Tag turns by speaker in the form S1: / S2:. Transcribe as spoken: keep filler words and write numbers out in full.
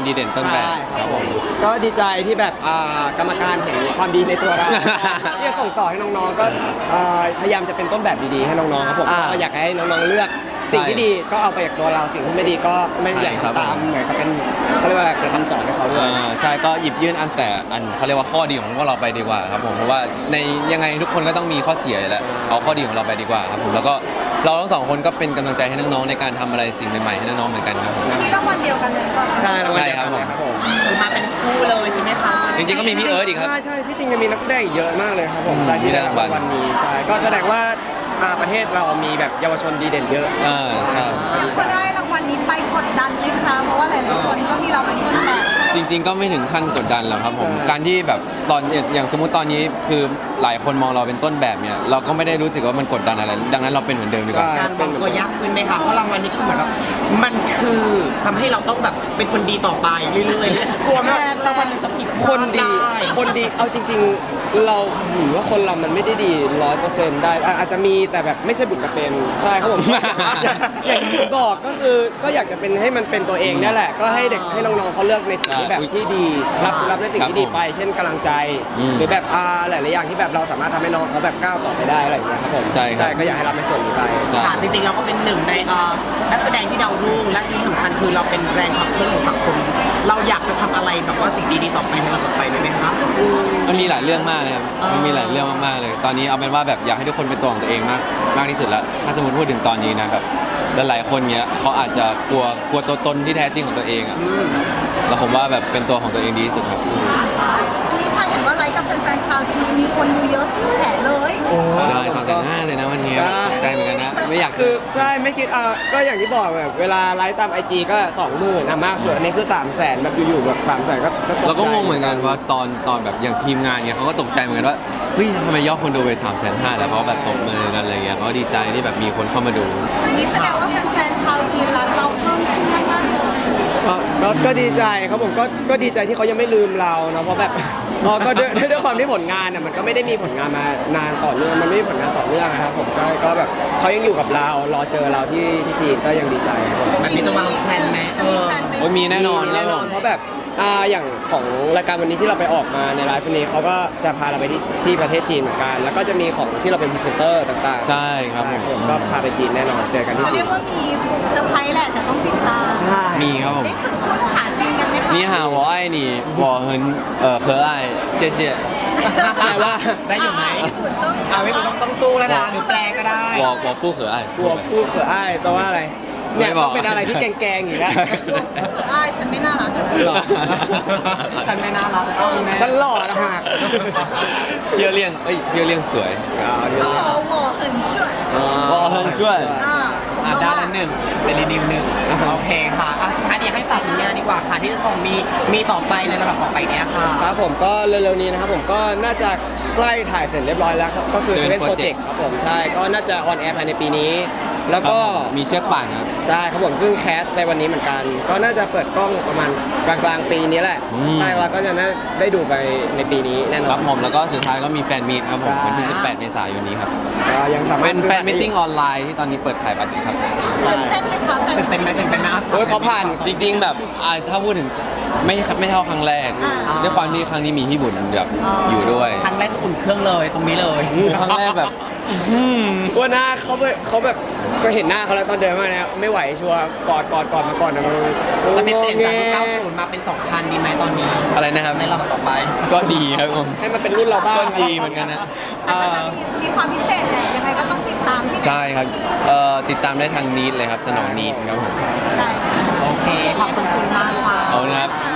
S1: ดีเด่นต้นแบบครับผม
S2: ก็ดีใจที่แบบกรรมการเห็นความดีในตัวเราที่จะส่งต่อให้น้องๆก็พยายามจะเป็นต้นแบบดีๆให้น้องๆครับผมก็อยากให้น้องๆเลือกสิ่งที่ดีก็เอาไปจากตัวเราสิ่งที่ไม่ดีก็ไม่อยากทำตามเหมือนกับเป็นเขาเรียกว่าเป็นคำสอนให้เขาด้วย
S1: ใช่ก็หยิบยื่นอันแต่อันเขาเรียกว่าข้อดีของพวกเราไปดีกว่าครับผมเพราะว่าในยังไงทุกคนก็ต้องมีข้อเสียอยู่แล้วเอาข้อดีของเราไปดีกว่าครับผมแล้วก็เราทั้งสองคนก็เป็นกำลังใจให้น้องๆในการทำอะไรสิ่งใหม่ๆให้น้องๆเหมือนกันครับ
S3: มีรางวัลเดียวกันเลยป่ะ
S2: ใช่รางวัลเดียวกันเลยครับผม
S4: คือมาเป็นคู่เลยใช่ไหมคะ
S1: จริงๆก็มีพี่เอิร์ธอีกครับ
S2: ใช่ใช่ที่จริงจะมีนักแสดงอีกเยอะมากเลยครับผมใช่ที่ได้รางวัลนี้ใช่ก็แสดงว่าประเทศเรามีแบบเยาวชนดีเด่นเยอะ
S1: อ่าใช่
S3: อยากจะได้รางวัลนี้ไปกดดันไหมคะเพราะว่าหลายๆคนก็มีเราเป็นต้นแบบ
S1: จริงๆก็ไม่ถึงขั้นกดดันหรอกครับผมการที่แบบตอนอย่างสมมุติตอนนี้คือหลายคนมองเราเป็นต้นแบบเนี่ยเราก็ไม่ได้รู้สึกว่ามันกดดันอะไรดังนั้นเราเป็นเหมือนเดิมดีกว่า
S4: การวางตัวยากขึ้นไหมคะเพราะรางวัลนี้คือเหมือนแบบมันคือทำให้เราต้องแบบเป็นคนดีต่อไปเรื่อยๆกลัวไหมรางวัลจะผิด
S2: คนดีคนดีเอาจริงๆเราถือว่าคนเรามันไม่ได้ดีร้อยเปอร์เซ็นต์ได้อาจจะมีแต่แบบไม่ใช่บุญกระเป็นใช่ครับผมอย่างที่บอกก็คือก็อยากจะเป็นให้มันเป็นตัวเองนี่แหละก็ให้เด็กให้น้องๆเขาเลือกในสิ่งที่แบบที่ดีรับรับในสิ่งที่ดีไปเช่นกำลังใจหรือแบบอ่าหลายๆอย่างที่แบบเราสามารถทำให้น้องเขาแบบก้าวต่อไปได้อะไรอย่างเงี้ยครับผมใช่ก็อยากให้รับในส่วนนี้ไป
S4: ค่ะจริงๆเราก็เป็นหนึ่งในนักแสดงที่ดาวรุ่งและสิ่งสำคัญคือเราเป็นแรงขับเคลื่อนของสังคมเราอยากจะทำอะไรแบบว่าสิ่งดีๆต่อไปในระบบไปไหมคะ
S1: มันมีหลายเรื่องมากเลยครับมันมีหลายเรื่องมากๆเลยตอนนี้เอาเป็นว่าแบบอยากให้ทุกคนเป็นตัวของตัวเองมากมากที่สุดแล้วถ้าสมมติพูดถึงตอนนี้นะแบบหลายๆคนเนี้ยเขาอาจจะกลัวกลัวตัวตนที่แท้จริงของตัวเองอ่ะแล้วผมว่าแบบเป็นตัวของตัวเองดีที่สุดครับ
S3: วันนี้ค่ะเห็นว่าไลฟ์กับแฟนๆชาวจีนมีคนดูเยอะสองแสนเลย
S1: ใช่สองแสนห้าเลยนะวันนี้ตกใจเหมือนกันนะไม่อยาก
S2: คือใช่ไม่คิดอ่ะก็อย่างที่บอกแบบเวลาไลฟ์ตามไอจีก็สองหมื่นอ่ะมากสุดนี่คือสามแสนแบบอยู่ๆแบบสามแสนก็ตกใจ
S1: เราก็งงเหมือนกันว่าตอนตอนแบบอย่างทีมงานเนี่ยเขาก็ตกใจเหมือนกันว่าเฮ้ยทำไมยอดคนดูไปสามแสนห้าแล้วเขาแบบตบมือกันอะไรเงี้ยเขาดีใจที่แบบมีคนเข้ามาดู
S3: นี่แสดงว่าแฟนๆชาวจีนรักเราเพิ่มขึ้นมากๆเลย
S2: ก็ก็ดีใจครับผมก็ก็ดีใจที่เขายังไม่ลืมเราเนาะเพราะแบบพอก็ด้วยด้วยความที่ผลงานอ่ะมันก็ไม่ได้มีผลงานมานานต่อเนื่องมันไม่มีผลงานต่อเนื่องนะครับผมก็ก็แบบเขายังอยู่กับเรารอเจอเราที่ที่จีนก็ยังดีใจครับผม
S4: แบบนี้จะวางแผนไหม
S3: จะมีแผนไหม
S1: มีแน่นอน
S2: มีแน่นอนเพราะแบบอ่าอย่างของรายการวันนี้ที่เราไปออกมาในไลฟ์วันนี้เขาก็จะพาเราไปที่ที่ประเทศจีนเหมือนกันแล้วก็จะมีของที่เราเป็นพรีเซนเตอร์ต่างๆ
S1: ใช่ครับ
S2: ผมก็พาไปจีนแน่นอนเจอกันที่จีน
S3: เรียกว่ามีเซอร์ไพรส์แหละแต่ต้องติดตาม
S2: ใช่
S1: มีครับผม
S3: ได้ฝึกพูดภาษาจีนกันไหมคะ
S1: นี่หา我爱你我很呃可爱谢谢
S2: แปลว่า
S4: ได้อยู่ไหมอ่าไม่ต้องต้องสู้แล้วนะหรือแปลก็ได้
S1: 我我不可爱
S2: 我不可爱แปลว่าอะไรเนี่ยต้องเป็นอะไรที่แกงๆอยู่แล้ว
S3: อ้ายฉันไม่น่ารักกัน
S2: หรอ
S4: ฉันไม่น่ารัก
S2: ฉันหล่อนะฮะ
S1: เพียวเลี่ยงเอ้ยเพียวเลี่ยงสวย
S3: อ๋อ我很帅
S1: 我很帅
S3: อ่า
S4: อ่าด้านหนึ่งเป็นรีวิวหนึ่งโอเคค่ะอ่ะสุดท้ายนี้ให้ฝากผลงานดีกว่าค่ะที่จะส่งมีมีต่อไปในระดับต่อไปเนี้ยค่ะ
S2: ครับผมก็เร็วๆนี้นะครับผมก็น่าจะใกล้ถ่ายเสร็จเรียบร้อยแล้วก็คือ Seven Project ครับผมใช่ก็น่าจะออนแอร์ภายในปีนี้แล้วก็
S1: มีเชือกป่านครับ
S2: ใช่ครับผมซึ่งแคสในวันนี้เหมือนกันก็น่าจะเปิดกล้องประมาณกลางๆปีนี้แหละใช่แล้วก็จะได้ดูไปในปีนี้แน่นอน
S1: ครับผมแล้วก็สุดท้ายก็มีแฟนมีตครับผมวันที่สิบแปดเมษายนนี้ครับ
S2: ก็ยังสามารถ
S1: เป็นแฟนมีตติ้งออนไลน์ที่ตอนนี้เปิดขายบัตรอยู่ครับ
S3: ตื่นเต้นไหมคะแฟน
S4: ตื่นเต้นไหมตื่นเต้นไหม
S2: โอ้ยเขาผ่าน
S1: จริงๆแบบถ้าพูดถึงไม่ไม่เท่าครั้งแรกด้วยความที่ครั้งนี้มีพี่บุญแบบอยู่ด้วย
S4: ครั้งแรกก็อุ่นเครื่องเลยตรงนี้เลย
S1: ครั้งแรกแบบ
S2: ว่าหน้าเขาเขาแบบก็เห็นหน้าเขาแล้วตอนเดินมาเนี่ยไม่ไหวชัวร์กอดกอดกอดมาก่อนนะมัน
S4: จะเป็นเปลี่ยนจากยุคเก้าสิบมาเป็นสองพันดีไหมตอนนี้
S1: อะไรนะครับ
S4: ในรอบต่อไป
S1: ก็ดีครับผม
S2: ให้มันเป็นรุ่นเราบ้าง
S1: ก็ดีเหมือนกันนะ
S3: แต่ก็จะมีมีความพิเศษแหละยังไงก็ต้องติดตามที่
S1: ใช่ครับติดตามได้ทางนีดเลยครับสนองนีดครับผม
S3: ได้
S4: โอเคขอบคุณมากค่ะ
S1: เอานะครับ